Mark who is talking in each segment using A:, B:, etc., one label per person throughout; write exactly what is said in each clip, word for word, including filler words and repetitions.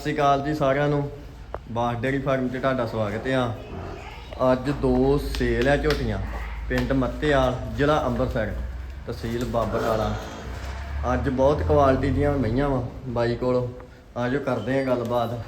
A: ਸ਼੍ਰੀ ਅਕਾਲ ਜੀ ਸਾਰਿਆਂ ਨੂੰ। ਬਾਸ ਡੇਅਰੀ ਫਾਰਮ 'ਤੇ ਤੁਹਾਡਾ ਸਵਾਗਤ ਆ। ਅੱਜ ਦੋ ਸੇਲ ਆ ਝੋਟੀਆਂ, ਪਿੰਡ ਮੱਤੇਆਲ, ਜ਼ਿਲ੍ਹਾ ਅੰਮ੍ਰਿਤਸਰ, ਤਹਿਸੀਲ ਬਾਬਾ ਕਾਲਾ। ਅੱਜ ਬਹੁਤ ਕੁਆਲਿਟੀ ਦੀਆਂ ਮਈਆਂ ਵਾ ਬਾਈ ਕੋਲ, ਆਜੋ ਕਰਦੇ ਆ ਗੱਲਬਾਤ।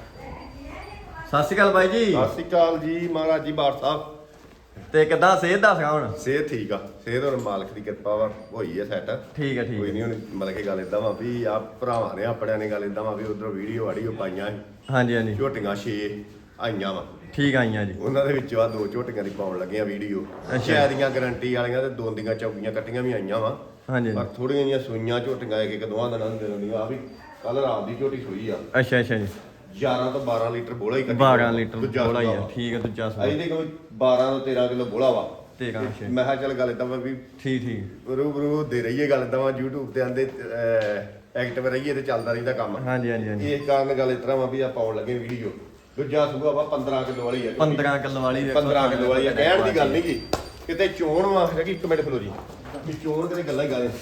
A: ਸਤਿ ਸ਼੍ਰੀ ਅਕਾਲ ਬਾਈ ਜੀ।
B: ਸਤਿ ਸ਼੍ਰੀ ਅਕਾਲ ਜੀ ਮਹਾਰਾਜ ਜੀ ਬਾਰ ਸਾਹਿਬ।
A: ਤੇ ਕਿੱਦਾਂ ਸਿਹਤ ਦੱਸ ਹੁਣ?
B: ਸਿਹਤ ਠੀਕ ਆ, ਸਿਹਤ ਹੁਣ ਮਾਲਕ ਦੀ ਕਿਰਪਾ ਵਾ ਹੋਈ ਹੈ ਸੈੱਟ।
A: ਠੀਕ ਹੈ ਠੀਕ
B: ਕੋਈ ਨਹੀਂ ਹੁਣ ਮਤਲਬ ਕਿ ਗੱਲ ਇਦਾਂ ਵਾ ਵੀ ਆ ਭਰਾਵਾਂ ਨੇ ਆਪਣਿਆਂ ਨੇ ਗੱਲ ਇਦਾਂ ਵਾ ਵੀ ਉਧਰੋਂ ਵੀਡੀਓ ਆਡੀਓ ਪਾਈਆਂ ਸੀ।
A: ਹਾਂਜੀ ਹਾਂਜੀ
B: ਝੋਟੀਆਂ ਛੇ ਆਈਆਂ ਵਾ,
A: ਠੀਕ ਆਈਆਂ ਜੀ।
B: ਉਹਨਾਂ ਦੇ ਵਿੱਚੋਂ ਆ ਦੋ ਝੋਟੀਆਂ ਦੀ ਪਾਉਣ ਲੱਗੀਆਂ ਵੀਡੀਓ। ਛੇ ਦੀਆਂ ਗਾਰੰਟੀ ਵਾਲੀਆਂ ਤੇ ਦੋ ਦੀਆਂ ਚੌਕੀਆਂ ਕੱਟੀਆਂ ਵੀ ਆਈਆਂ ਵਾ।
A: ਹਾਂਜੀ
B: ਪਰ ਥੋੜੀਆਂ ਜਿਹੀਆਂ ਸੂਈਆਂ ਝੋਟੀਆਂ ਇੱਕ ਇੱਕ ਦੋਵਾਂ ਦਿਨਾਂ ਨੂੰ ਦੇ ਦਿੰਦੀਆਂ। ਆ ਵੀ ਕੱਲ ਰਾਤ ਦੀ ਝੋਟੀ ਸੂਈ ਆ।
A: ਅੱਛਾ ਅੱਛਾ ਜੀ।
B: ਗਿਆਰਾਂ ਤੋਂ ਬਾਰਾਂ ਲੀਟਰ ਬੋਲਾ ਹੀ ਕੱਢੀ।
A: ਬਾਰਾਂ ਲੀਟਰ ਬੋਲਾ ਹੀ ਆ। ਠੀਕ ਹੈ ਦੂਜਾ ਸੂਆ।
B: ਇਹਦੇ ਕੋਲ ਬਾਰਾਂ ਤੋਂ ਤੇਰਾਂ ਕਿਲੋ ਬੋਲਾ ਵਾ।
A: ਤੇਰਾਂ ਅੱਛਾ।
B: ਮੈਂ ਕਿਹਾ ਚੱਲ ਗੱਲ ਇਦਾਂ ਵਾ ਵੀ
A: ਠੀਕ ਠੀਕ
B: ਰੂਬਰੂ ਦੇ ਰਹੀਏ ਗੱਲ ਇਦਾਂ ਵਾ। YouTube ਤੇ ਆਂਦੇ ਐਕਟਿਵ ਰਹੀਏ ਤੇ ਚੱਲਦਾ ਰਹਿੰਦਾ ਕੰਮ।
A: ਹਾਂਜੀ ਹਾਂਜੀ ਹਾਂਜੀ।
B: ਇਸ ਕਾਰਨ ਗੱਲ ਇਸ ਤਰ੍ਹਾਂ ਵਾ ਵੀ ਆ ਪਾਉਣ ਲੱਗੇ ਵੀਡੀਓ। ਦੂਜਾ ਸੂਆ ਵਾ ਪੰਦਰਾਂ ਕਿਲੋ ਵਾਲੀ ਆ।
A: ਪੰਦਰਾਂ ਕਿਲੋ ਵਾਲੀ ਦੇਖੋ।
B: ਪੰਦਰਾਂ ਕਿਲੋ ਵਾਲੀ ਆ। ਕਹਿਣ ਦੀ ਗੱਲ ਨਹੀਂ ਗੀ ਕਿਤੇ ਚੋਣ ਵਾ ਕਿ ਇੱਕ ਮਿੰਟ ਖਲੋ ਜੀ ਵੀ ਚੋਣ ਕਿਤੇ ਗੱਲਾਂ ਹੀ ਗਾਲੇ।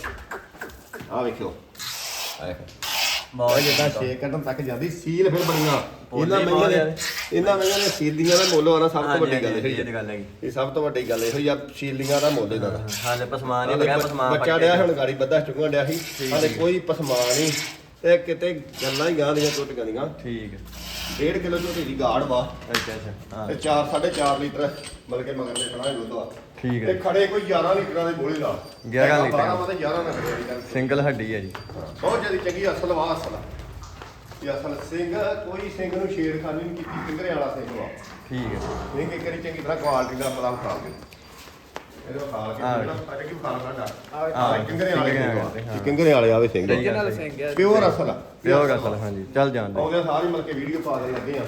B: ਆ ਵੇਖਿਓ ਆ ਵੇਖੋ ਬਹੁਤ ਜਿੱਦਾਂ ਛੇ ਕੱਢਣ ਤੱਕ ਜਾਂਦੀ ਸੀਲ ਫਿਰ ਬਣੀਆਂ। ਇਹਨਾਂ ਮਹੀਆਂ ਦੇ ਇਹਨਾਂ ਮਹੀਆਂ ਦੇ ਸੀਲੀਆਂ ਦਾ ਮੁੱਲ ਆਣਾ ਸਭ ਤੋਂ ਵੱਡੀ ਗੱਲ ਇਹ ਗੱਲ ਹੈਗੀ। ਇਹ ਸਭ ਤੋਂ ਵੱਡੀ ਗੱਲ ਇਹੋ ਹੀ ਆ, ਸੀਲੀਆਂ ਦਾ ਮੁੱਲ ਇਹਦਾ।
A: ਹਾਲੇ ਪਸਮਾਨ ਨਹੀਂ ਲਗਾ। ਪਸਮਾਨ
B: ਬੱਚਾ ਡਿਆ ਹੁਣ ਗਾੜੀ ਬੱਧਾ ਚੁੰਗਣ ਡਿਆ ਸੀ। ਹਾਲੇ ਕੋਈ ਪਸਮਾਨ ਨਹੀਂ ਤੇ ਕਿਤੇ ਗੱਲਾਂ ਹੀ ਗਾਂ ਦੀਆਂ ਝੋਟੀਆਂ ਦੀਆਂ।
A: ਠੀਕ ਹੈ।
B: ਡੇਢ ਕਿਲੋ ਝੋਟੀ ਦੀ ਗਾੜ ਵਾ।
A: ਅੱਛਾ ਅੱਛਾ
B: ਤੇ ਚਾਰ ਸਾਢੇ ਚਾਰ ਲੀਟਰ ਮਤਲਬ ਕਿ ਮਗਰ ਦੇ ਖੜਾ ਦੁੱਧ ਵਾ।
A: ਠੀਕ
B: ਤੇ
A: ਹੈ।
B: ਖੜੇ ਕੋਈ ਗਿਆਰਾਂ ਲੀਟਰਾਂ ਦੇ ਬੋਲੇ ਦਾ।
A: ਗਿਆਰਾਂ ਲੀਟਰ
B: ਬਾਰਾਂ ਮਤੇ ਗਿਆਰਾਂ ਨਾ ਖੜੇ।
A: ਸਿੰਗਲ ਹੱਡੀ ਹੈ ਜੀ।
B: ਬਹੁਤ ਜਿਆਦਾ ਚੰਗੀ ਅਸਲ ਵਾ। ਅਸਲ ਇਹ ਅਸਲ ਸਿੰਘ ਕੋਈ ਸਿੰਘ ਨੂੰ ਛੇੜਖਾਨੀ ਨਹੀਂ ਕੀਤੀ। ਫਿੰਗਰੇ ਵਾਲਾ ਸਿੰਘ ਵਾ।
A: ਠੀਕ ਹੈ।
B: ਸਿੰਘ ਇੱਕ ਵਾਰੀ ਚੰਗੀ ਤਰ੍ਹਾਂ ਕੁਆਲਿਟੀ ਦਾ ਪਤਾ ਖਾ ਕੇ ਇਹਦੇ ਖਾ ਕੇ ਜਿਹੜਾ ਅੱਜ ਕੀ ਖਾ ਲੈਂਦਾ। ਆ ਕਿੰਗਰੇ ਵਾਲੇ ਸਿੰਘ ਕਿੰਗਰੇ ਵਾਲੇ ਆਵੇ ਸਿੰਘ
A: original ਸਿੰਘ ਹੈ।
B: ਪਿਓਰ ਅਸਲ ਆ।
A: ਪਿਓਰ ਅਸਲ ਹਾਂਜੀ। ਚੱਲ ਜਾਂਦੇ
B: ਆਉਂਦੇ ਸਾਰੀ ਮਿਲ ਕੇ ਵੀਡੀਓ ਪਾ ਦੇ ਲੱਗੇ ਆ।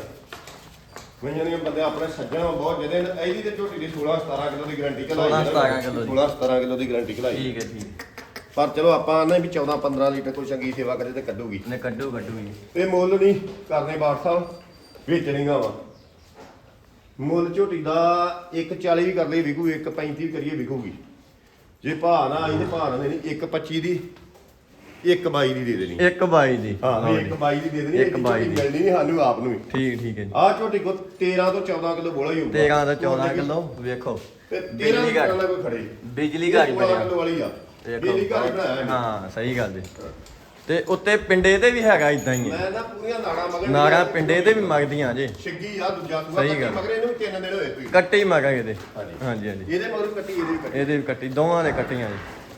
B: ਮੈਨੂੰ ਨਹੀਂ ਬੰਦੇ ਆਪਣੇ ਸੱਜਣ ਬਹੁਤ ਜਿਹਦੇ ਇਹਦੀ ਤੇ ਝੋਟੀ ਦੀ ਸੋਲਾਂ ਸਤਾਰਾਂ ਕਿਲੋ ਦੀ ਗਾਰੰਟੀ ਕਲਾਈ।
A: ਸੋਲਾਂ ਸਤਾਰਾਂ ਕਿਲੋ ਦੀ।
B: ਸੋਲਾਂ ਸਤਾਰਾਂ ਕਿਲੋ ਦੀ ਗਾਰੰਟੀ ਕਲਾਈ।
A: ਠੀਕ ਹੈ ਠੀਕ।
B: ਪਰ ਚਲੋ ਆਪਾਂ ਆਨੇ ਵੀ ਚੌਦਾਂ ਪੰਦਰਾਂ ਲੀਟਰ ਕੋਈ ਚੰਗੀ ਸੇਵਾ ਕਰੇ ਤੇ ਕੱਢੂਗੀ।
A: ਨੇ ਕੱਢੂ ਕੱਢੂ ਜੀ।
B: ਇਹ ਮੁੱਲ ਨਹੀਂ ਕਰਨੇ ਬਾੜ ਸਾਹਿਬ, ਵੇਚਣੀਆਂ ਵਾ। ਮੁੱਲ ਝੋਟੀ ਦਾ ਇੱਕ ਚਾਲੀ ਵੀ ਕਰ ਲਈ ਵਿਕੂ, ਇੱਕ ਪੈਂਤੀ ਵੀ ਕਰੀਏ ਵਿਕੂਗੀ। ਜੇ ਭਾਅ ਨਾ ਆਈ ਤੇ ਭਾਅ ਨਾ ਦੇਣੀ ਇੱਕ ਪੱਚੀ ਦੀ, ਇੱਕ ਬਾਈ ਦੀ ਦੇ ਦੇਣੀ।
A: ਇੱਕ ਬਾਈ ਦੀ।
B: ਹਾਂ ਇੱਕ ਬਾਈ ਦੀ ਦੇ ਦੇਣੀ।
A: ਇੱਕ ਬਾਈ ਦੀ
B: ਮਿਲਣੀ ਨਹੀਂ ਸਾਨੂੰ ਆਪ ਨੂੰ ਵੀ।
A: ਠੀਕ ਠੀਕ ਹੈ ਜੀ।
B: ਆਹ ਝੋਟੀ ਕੋ ਤੇਰਾਂ ਤੋਂ ਚੌਦਾਂ ਕਿਲੋ ਬੋਲਾ ਹੀ ਹੋਊਗਾ।
A: ਤੇਰਾਂ ਤੋਂ ਚੌਦਾਂ ਕਿਲੋ ਵੇਖੋ।
B: ਤੇ ਬਿਜਲੀ ਘਰ ਨਾਲ ਕੋਈ ਖੜੇ।
A: ਬਿਜਲੀ ਘਰ
B: ਬਣਿਆ ਕਿਲੋ ਵਾਲੀ ਆ। ਬਿਜਲੀ ਘਰ ਬਣਾਇਆ।
A: ਹਾਂ ਸਹੀ ਗੱਲ ਜੀ। ਤੇ ਉੱਤੇ ਪਿੰਡੇ ਤੇ ਵੀ ਹੈਗਾ ਇਦਾਂ ਹੀ ਹੈ।
B: ਮੈਂ ਨਾ ਪੂਰੀਆਂ ਨਾੜਾਂ ਮਗਰ
A: ਨਾੜਾਂ ਪਿੰਡੇ ਤੇ ਵੀ ਮਗਦੀਆਂ ਜੇ।
B: ਛਿੱਗੀ ਆ ਦੂਜਾ ਸੂਆ
A: ਸਹੀ ਗੱਲ।
B: ਮਗਰ ਇਹਨੂੰ ਤਿੰਨ ਦਿਨ ਹੋਏ ਕੋਈ।
A: ਕੱਟੀ ਮਗਾ ਇਹਦੇ।
B: ਹਾਂਜੀ
A: ਹਾਂਜੀ ਹਾਂਜੀ।
B: ਇਹਦੇ ਮਗਰ ਕੱਟੀ ਇਹਦੇ ਵੀ ਕੱਟੀ।
A: ਇਹਦੇ ਵੀ ਕੱਟੀ, ਦੋਵਾਂ ਦੇ ਕੱਟੀਆਂ ਜੀ।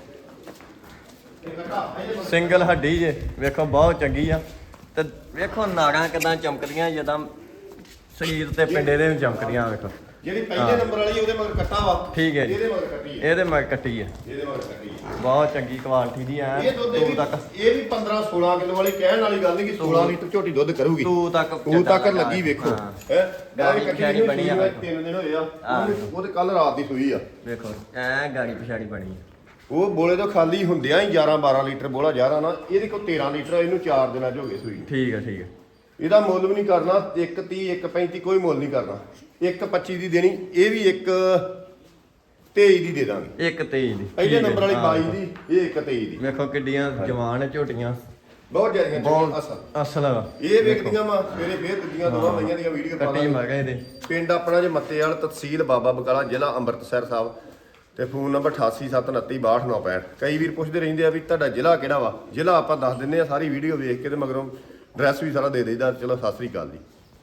B: ਇਹ ਕੱਟਾ ਇਹਦੇ ਮਗਰ
A: ਸਿੰਗਲ ਹੱਡੀ ਜੇ ਵੇਖੋ ਬਹੁਤ ਚੰਗੀ ਆ। ਤੇ ਵੇਖੋ ਨਾੜਾਂ ਕਿਦਾਂ ਚਮਕਦੀਆਂ ਜਦਾਂ ਸਰੀਰ ਤੇ ਪਿੰਡੇ ਦੇ ਵੀ ਚਮਕਦੀਆਂ ਵੇਖੋ।
B: ਜਿਹੜੀ ਪਹਿਲੇ ਨੰਬਰ ਵਾਲੀ ਉਹਦੇ ਮਗਰ ਕੱਟਾ ਵਾ।
A: ਠੀਕ ਹੈ ਜੀ।
B: ਇਹਦੇ ਮਗਰ ਕੱਟੀ ਹੈ।
A: ਇਹਦੇ ਮਗਰ ਕੱਟੀ ਹੈ।
B: ਇਹਦੇ ਮਗਰ ਕੱਟੀ ਹੈ।
A: ਬਹੁਤ ਚੰਗੀ ਕੁਆਲਿਟੀ ਦੀ ਆ।
B: ਇਹ ਦੁੱਧ ਵੀ
A: ਤੱਕ
B: ਇਹ ਵੀ ਪੰਦਰਾਂ ਸੋਲਾਂ ਕਿਲੋ ਵਾਲੀ ਕਹਿਣ ਵਾਲੀ ਗੱਲ ਨਹੀਂ ਕਿ ਸੋਲਾਂ ਲੀਟਰ ਝੋਟੀ ਦੁੱਧ ਕਰੂਗੀ।
A: ਤੂੰ ਤੱਕ
B: ਤੂੰ ਤੱਕ ਲੱਗੀ ਵੇਖੋ ਹੈ।
A: ਗਾੜੀ
B: ਕੱਟੀ
A: ਪਿਛਾੜੀ ਬਣੀ ਆ।
B: ਤਿੰਨ ਦਿਨ ਹੋਏ ਆ। ਉਹ ਤੇ ਕੱਲ ਰਾਤ ਦੀ ਸੂਈ ਆ।
A: ਵੇਖੋ ਐ ਗਾੜੀ ਪਿਛਾੜੀ ਬਣੀ ਆ।
B: ਉਹ ਬੋਲੇ ਤੋਂ ਖਾਲੀ ਹੁੰਦਿਆਂ ਹੀ ਗਿਆਰਾਂ ਬਾਰਾਂ ਲੀਟਰ ਬੋਲਾ ਜ਼ਿਆਦਾ ਨਾ। ਇਹਦੇ ਕੋਲ ਤੇਰਾਂ ਲੀਟਰ ਇਹਨੂੰ ਚਾਰ ਦਿਨਾਂ ਚ ਹੋ ਗਏ ਸੂਈ।
A: ਠੀਕ ਹੈ ਠੀਕ ਹੈ।
B: ਇਹਦਾ ਮੁੱਲ ਵੀ ਨਹੀਂ ਕਰਨਾ। ਇੱਕ ਤੀਹ ਇੱਕ ਪੈਂਤੀ ਕੋਈ ਮੁੱਲ ਨਹੀਂ ਕਰਨਾ। ਇੱਕ ਪੱਚੀ ਦੀ ਦੇਣੀ। ਇਹ ਵੀ ਇੱਕ ਤੇਈ ਦੀ ਦੇ ਦਾਂਗੇ।
A: ਇੱਕ ਤੇਈ ਦੀ।
B: ਪਹਿਲੇ ਨੰਬਰ ਵਾਲੀ ਬਾਈ ਦੀ, ਇਹ ਇੱਕ ਤੇਈ ਦੀ।
A: ਵੇਖੋ ਕਿੱਡੀਆਂ ਜਵਾਨ ਝੋਟੀਆਂ।
B: ਬਹੁਤ ਜ਼ਿਆਦੀਆਂ
A: ਬਹੁਤ
B: ਅਸਲ
A: ਅਸਲ ਆ।
B: ਇਹ ਵੇਖਦੀਆਂ ਵਾ ਸਵੇਰੇ ਫੇਰ ਦੂਜੀਆਂ ਦੋਵਾਂ ਮਈਆਂ ਦੀਆਂ ਵੀਡੀਓ ਪਾ
A: ਕੱਟੀ ਮਗਾ ਇਹਦੇ।
B: ਪਿੰਡ ਆਪਣਾ ਜੇ ਮੱਤੇਵਾਲ, ਤਹਿਸੀਲ ਬਾਬਾ ਬਕਾਲਾ, ਜ਼ਿਲ੍ਹਾ ਅੰਮ੍ਰਿਤਸਰ ਸਾਹਿਬ। ਤੇ ਫੋਨ ਨੰਬਰ ਅਠਾਸੀ ਸੱਤ ਉਨੱਤੀ ਬਾਹਠ ਨੌ ਪੈਂਹਠ। ਕਈ ਵੀਰ ਪੁੱਛਦੇ ਰਹਿੰਦੇ ਆ ਵੀ ਤੁਹਾਡਾ ਜ਼ਿਲ੍ਹਾ ਕਿਹੜਾ ਵਾ। ਜ਼ਿਲ੍ਹਾ ਆਪਾਂ ਦੱਸ ਦਿੰਦੇ ਆ ਸਾਰੀ ਵੀਡੀਓ ਵੇਖ ਕੇ ਤੇ ਮਗਰੋਂ ਐਡਰੈਸ ਵੀ ਸਾਰਾ ਦੇ ਦੇਈਦਾ। ਚਲੋ ਸਤਿ ਸ੍ਰੀ ਅਕਾਲ ਜੀ।